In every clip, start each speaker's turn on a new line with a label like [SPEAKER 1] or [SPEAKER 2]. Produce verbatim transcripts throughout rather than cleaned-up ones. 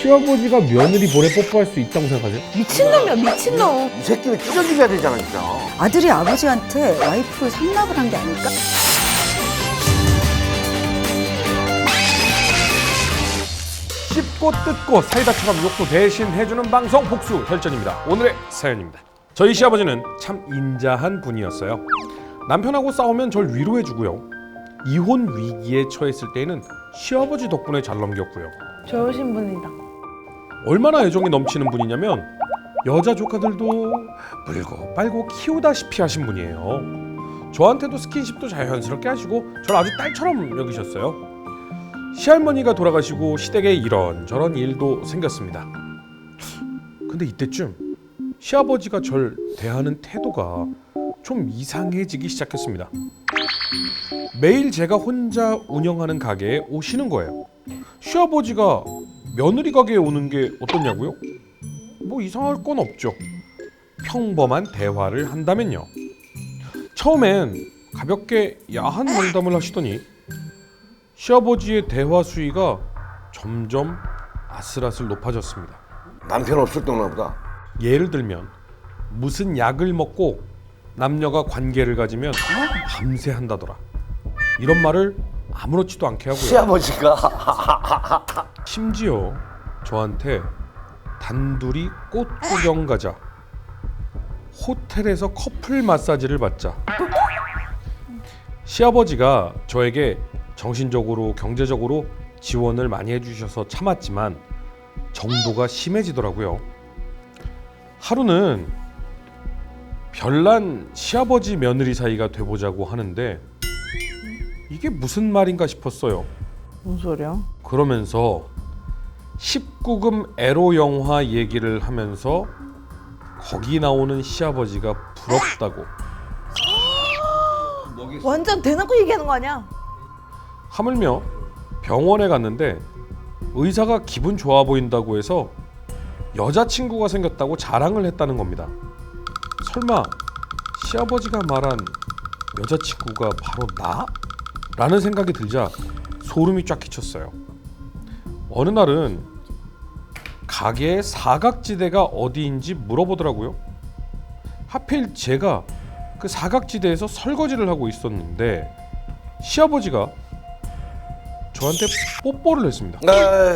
[SPEAKER 1] 시아버지가 며느리 볼에 뽀뽀할 수 있다고 생각하세요?
[SPEAKER 2] 미친놈이야 미친놈.
[SPEAKER 3] 이 새끼는 찢어지게 되잖아 진짜.
[SPEAKER 4] 아들이 아버지한테 와이프 상납을 한 게 아닐까?
[SPEAKER 1] 씹고 뜯고 사이다처럼 욕도 대신 해주는 방송 복수 혈전입니다. 오늘의 사연입니다. 저희 시아버지는 참 인자한 분이었어요. 남편하고 싸우면 절 위로해주고요. 이혼 위기에 처했을 때에는 시아버지 덕분에 잘 넘겼고요.
[SPEAKER 2] 좋으신 분이다.
[SPEAKER 1] 얼마나 애정이 넘치는 분이냐면 여자 조카들도 물고 빨고 키우다시피 하신 분이에요. 저한테도 스킨십도 자연스럽게 하시고 저를 아주 딸처럼 여기셨어요. 시할머니가 돌아가시고 시댁에 이런저런 일도 생겼습니다. 근데 이때쯤 시아버지가 절 대하는 태도가 좀 이상해지기 시작했습니다. 매일 제가 혼자 운영하는 가게에 오시는 거예요. 시아버지가 며느리 가게에 오는 게 어떻냐고요? 뭐 이상할 건 없죠. 평범한 대화를 한다면요. 처음엔 가볍게 야한 농담을 하시더니 시아버지의 대화 수위가 점점 아슬아슬 높아졌습니다.
[SPEAKER 3] 남편 없을 때나 보다.
[SPEAKER 1] 예를 들면 무슨 약을 먹고 남녀가 관계를 가지면 밤새 한다더라. 이런 말을 아무렇지도 않게 하고요.
[SPEAKER 3] 시아버지가
[SPEAKER 1] 심지어 저한테 단둘이 꽃 구경 가자, 호텔에서 커플 마사지를 받자. 시아버지가 저에게 정신적으로 경제적으로 지원을 많이 해주셔서 참았지만 정도가 심해지더라고요. 하루는 별난 시아버지 며느리 사이가 돼보자고 하는데 이게 무슨 말인가 싶었어요.
[SPEAKER 2] 뭔 소리야?
[SPEAKER 1] 그러면서 십구 금 에로 영화 얘기를 하면서 거기 나오는 시아버지가 부럽다고
[SPEAKER 2] 완전 대놓고 얘기하는 거 아니야?
[SPEAKER 1] 하물며 병원에 갔는데 의사가 기분 좋아 보인다고 해서 여자친구가 생겼다고 자랑을 했다는 겁니다. 설마 시아버지가 말한 여자친구가 바로 나? 라는 생각이 들자 소름이 쫙 끼쳤어요. 어느 날은 가게의 사각지대가 어디인지 물어보더라고요. 하필 제가 그 사각지대에서 설거지를 하고 있었는데 시아버지가 저한테 뽀뽀를 했습니다.
[SPEAKER 3] 네.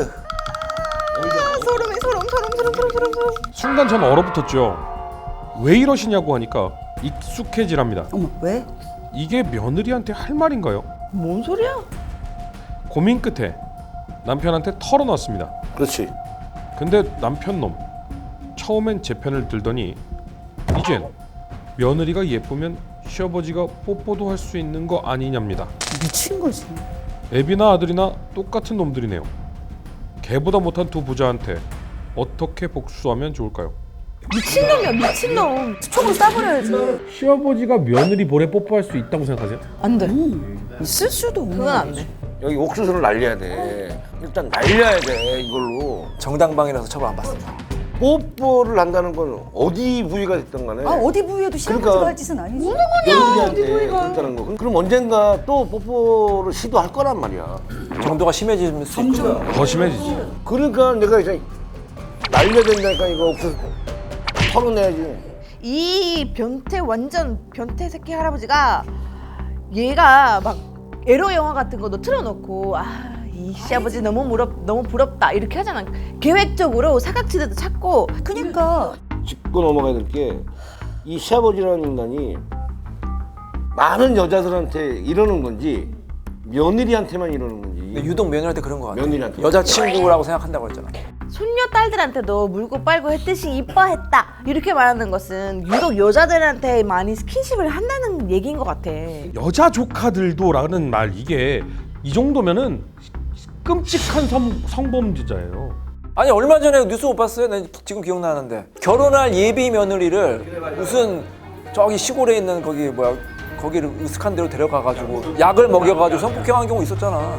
[SPEAKER 2] 아, 소름이 소름 소름 소름 소름 소름 소름.
[SPEAKER 1] 순간 전 얼어붙었죠. 왜 이러시냐고 하니까 익숙해지랍니다.
[SPEAKER 4] 어머, 왜?
[SPEAKER 1] 이게 며느리한테 할 말인가요?
[SPEAKER 2] 뭔 소리야?
[SPEAKER 1] 고민 끝에 남편한테 털어놨습니다.
[SPEAKER 3] 그렇지.
[SPEAKER 1] 근데 남편 놈 처음엔 제 편을 들더니 이젠 며느리가 예쁘면 시아버지가 뽀뽀도 할 수 있는 거 아니냐입니다.
[SPEAKER 4] 미친 거지.
[SPEAKER 1] 애비나 아들이나 똑같은 놈들이네요. 개보다 못한 두 부자한테 어떻게 복수하면 좋을까요?
[SPEAKER 2] 미친놈이야 미친놈.
[SPEAKER 4] 총으로 쏴버려야지.
[SPEAKER 1] 시아버지가 며느리 볼에 뽀뽀할 수 있다고 생각하세요?
[SPEAKER 2] 안 돼.
[SPEAKER 4] 음, 있을 수도 없는
[SPEAKER 2] 그건 안
[SPEAKER 4] 거지.
[SPEAKER 2] 돼.
[SPEAKER 3] 여기 옥수수를 날려야 돼. 일단 날려야 돼 이걸로.
[SPEAKER 5] 정당방위라서 처벌 안 받습니다.
[SPEAKER 3] 뽀뽀를 한다는 건 어디 부위가 됐든 간에
[SPEAKER 4] 아, 어디 부위에도 시아버지가
[SPEAKER 3] 그러니까
[SPEAKER 4] 할 짓은 아니지.
[SPEAKER 3] 며느리한테 그랬다는 거. 그럼 언젠가 또 뽀뽀를 시도할 거란 말이야.
[SPEAKER 5] 정도가 심해질 수 있죠.
[SPEAKER 1] 더 심해지지.
[SPEAKER 3] 그러니까 내가 이제 날려야 된다니까 이거 옥수수 털어내야지.
[SPEAKER 2] 이 변태 완전 변태 새끼 할아버지가 얘가 막 에로 영화 같은 것도 틀어놓고 아 이 시아버지 너무 무럽 너무 부럽다 이렇게 하잖아. 계획적으로 사각지대도 찾고.
[SPEAKER 4] 그러니까
[SPEAKER 3] 짚고 넘어가야 될 게 이 시아버지라는 인간이 많은 여자들한테 이러는 건지 며느리한테만 이러는 건지.
[SPEAKER 5] 근데 유독 며느리한테 그런 거 같아요.
[SPEAKER 3] 며느리한테.
[SPEAKER 5] 여자친구라고 생각한다고 했잖아.
[SPEAKER 2] 손녀 딸들한테도 물고 빨고 했듯이 이뻐했다 이렇게 말하는 것은 유독 여자들한테 많이 스킨십을 한다는 얘기인 것 같아.
[SPEAKER 1] 여자 조카들도라는 말 이게 이 정도면은 끔찍한 성, 성범죄자예요.
[SPEAKER 5] 아니 얼마 전에 뉴스 못 봤어요? 난 지금 기억나는데 결혼할 예비 며느리를 무슨 저기 시골에 있는 거기 뭐야 거기를 으슥한 데로 데려가가지고 약을 먹여가지고 성폭행한 경우 있었잖아.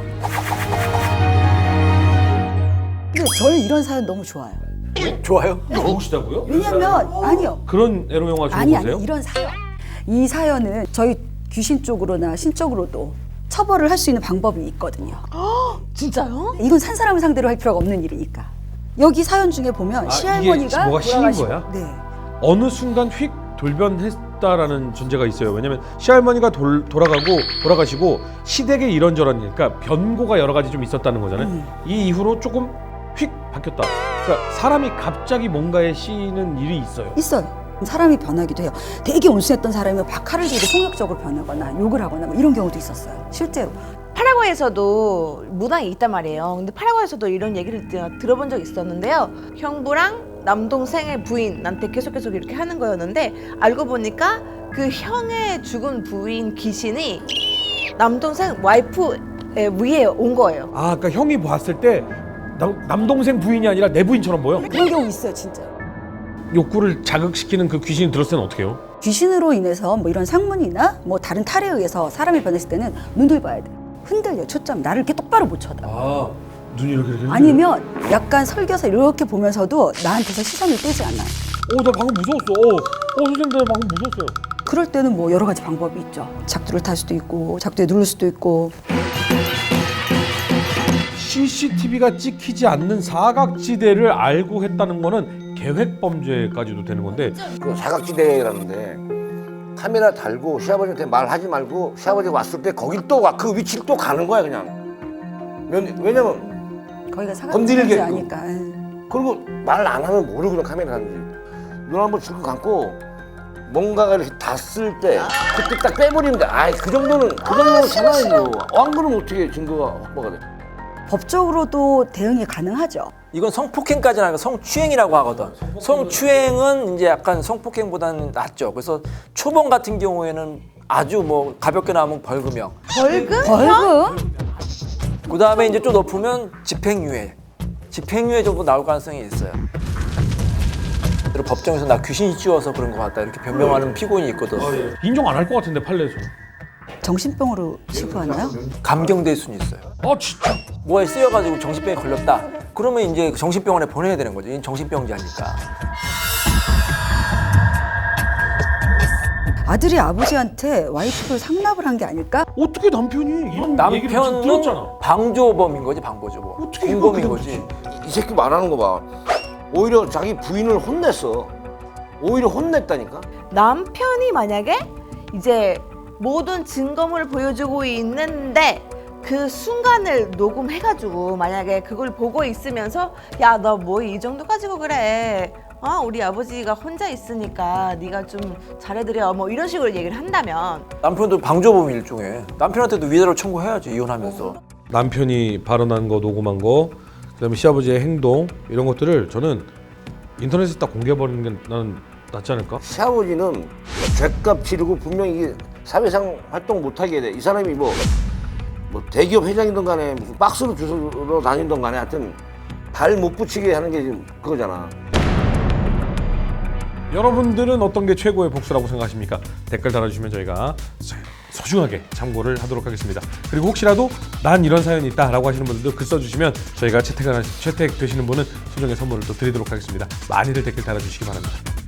[SPEAKER 4] 근데 저는 이런 사연 너무 좋아요.
[SPEAKER 5] 좋아요?
[SPEAKER 1] 좋으시다고요?
[SPEAKER 4] 왜냐면 아니요.
[SPEAKER 1] 그런 에로 영화 좋은
[SPEAKER 4] 아니
[SPEAKER 1] 거세요?
[SPEAKER 4] 아니 이런 사연. 이 사연은 저희 귀신 쪽으로나 신 쪽으로도 처벌을 할 수 있는 방법이 있거든요.
[SPEAKER 2] 진짜요?
[SPEAKER 4] 이건 산 사람을 상대로 할 필요가 없는 일이니까. 여기 사연 중에 보면
[SPEAKER 1] 아, 이게
[SPEAKER 4] 시할머니가
[SPEAKER 1] 뭐가 씌인
[SPEAKER 4] 돌아가시고-
[SPEAKER 1] 거야?
[SPEAKER 4] 네.
[SPEAKER 1] 어느 순간 휙 돌변했다라는 전제가 있어요. 왜냐면 시할머니가 돌, 돌아가고 돌아가시고 시댁에 이런저런 그러니까 변고가 여러 가지 좀 있었다는 거잖아요.
[SPEAKER 4] 음.
[SPEAKER 1] 이 이후로 조금 휙 바뀌었다. 그러니까 사람이 갑자기 뭔가에 씌이는 일이 있어요.
[SPEAKER 4] 있어요. 사람이 변하기도 해요. 되게 온순했던 사람이 막 칼을 들고 폭력적으로 변하거나 욕을 하거나 뭐 이런 경우도 있었어요. 실제로.
[SPEAKER 2] 파라과이에서도 문항이 있단 말이에요. 근데 파라과이에서도 이런 얘기를 제가 들어본 적이 있었는데요. 형부랑 남동생의 부인한테 계속 계속 이렇게 하는 거였는데 알고 보니까 그 형의 죽은 부인 귀신이 남동생 와이프 위에 온 거예요.
[SPEAKER 1] 아, 그러니까 형이 봤을 때 남, 남동생 부인이 아니라 내 부인처럼 보여?
[SPEAKER 4] 그런 경우 있어요, 진짜.
[SPEAKER 1] 욕구를 자극시키는 그 귀신이 들었을 때는 어떻게 해요?
[SPEAKER 4] 귀신으로 인해서 뭐 이런 상문이나 뭐 다른 탈에 의해서 사람이 변했을 때는 눈을 봐야 돼. 흔들려, 초점. 나를 이렇게 똑바로 못 쳐다.
[SPEAKER 1] 아, 눈이 이렇게 이렇게.
[SPEAKER 4] 아니면 약간 설겨서 이렇게 보면서도 나한테서 시선을 떼지 않아요.
[SPEAKER 1] 어, 나 방금 무서웠어. 어, 어 선생님, 나 방금 무서웠어요.
[SPEAKER 4] 그럴 때는 뭐 여러 가지 방법이 있죠. 작두를 탈 수도 있고, 작두에 누를 수도 있고.
[SPEAKER 1] 씨씨티비가 찍히지 않는 사각지대를 알고 했다는 거는 계획 범죄까지도 되는 건데
[SPEAKER 3] 그 사각지대라는데 카메라 달고 시아버지한테 말하지 말고 시아버지가 왔을 때 거길 또 가 그 위치를 또 가는 거야 그냥. 면- 왜냐면
[SPEAKER 4] 거기가 사각지대인지
[SPEAKER 3] 건드리겠고.
[SPEAKER 4] 아니까. 예.
[SPEAKER 3] 그리고 말 안 하면 모르거든 카메라 하는지. 눈 한번 질끈 감고 뭔가가 이렇게 닿았을 때 그때 딱 빼버리면 돼. 아이 그 정도는 그 정도는 참아야죠. 안 그러면 어떻게 증거가 확보가 돼?
[SPEAKER 4] 법적으로도 대응이 가능하죠.
[SPEAKER 5] 이건 성폭행까지는 아니고 성추행이라고 하거든. 성추행은 이제 약간 성폭행보다는 낫죠. 그래서 초범 같은 경우에는 아주 뭐 가볍게 나오면 벌금형.
[SPEAKER 2] 벌금?
[SPEAKER 4] 벌금?
[SPEAKER 5] 그 다음에 이제 좀 높으면 집행유예. 집행유예 정도 나올 가능성이 있어요. 그리고 법정에서 나 귀신이 씌워서 그런 것 같다 이렇게 변명하는 피고인이 있거든.
[SPEAKER 1] 인정 안 할 것 같은데 판례에서.
[SPEAKER 4] 정신병으로 치부하나요?
[SPEAKER 5] 감경될 수는 있어요.
[SPEAKER 1] 아 진짜.
[SPEAKER 5] 뭐에 쓰여가지고 정신병에 걸렸다. 그러면 이제 정신병원에 보내야 되는 거죠. 얘는 정신병자니까.
[SPEAKER 4] 아들이 아버지한테 와이프를 상납을 한 게 아닐까?
[SPEAKER 1] 어떻게 남편이 이런 얘기를 지금
[SPEAKER 5] 남편은
[SPEAKER 1] 들었잖아.
[SPEAKER 5] 방조범인 거지, 방조범.
[SPEAKER 1] 어떻게 이걸
[SPEAKER 5] 공범인
[SPEAKER 1] 그렇게
[SPEAKER 5] 거지.
[SPEAKER 3] 이 새끼 말하는 거 봐. 오히려 자기 부인을 혼냈어. 오히려 혼냈다니까.
[SPEAKER 2] 남편이 만약에 이제 모든 증거물을 보여주고 있는데 그 순간을 녹음해가지고 만약에 그걸 보고 있으면서 야 너 뭐 이 정도 가지고 그래 어 우리 아버지가 혼자 있으니까 네가 좀 잘해드려 뭐 이런 식으로 얘기를 한다면
[SPEAKER 5] 남편도 방조범 일종의. 남편한테도 위자료 청구해야지, 이혼하면서.
[SPEAKER 1] 남편이 발언한 거 녹음한 거 그다음에 시아버지의 행동 이런 것들을 저는 인터넷에 딱 공개해버리는 게 나는 낫지 않을까?
[SPEAKER 3] 시아버지는 죗값 치르고 분명히 이게 사회상 활동 못하게 돼. 이 사람이 뭐, 뭐 대기업 회장이든 간에 무슨 박스로 주워 다니든 간에 하여튼 발 못 붙이게 하는 게 지금 그거잖아.
[SPEAKER 1] 여러분들은 어떤 게 최고의 복수라고 생각하십니까? 댓글 달아주시면 저희가 소중하게 참고를 하도록 하겠습니다. 그리고 혹시라도 난 이런 사연이 있다 라고 하시는 분들도 글 써주시면 저희가 채택, 채택되시는 분은 소정의 선물을 또 드리도록 하겠습니다. 많이들 댓글 달아주시기 바랍니다.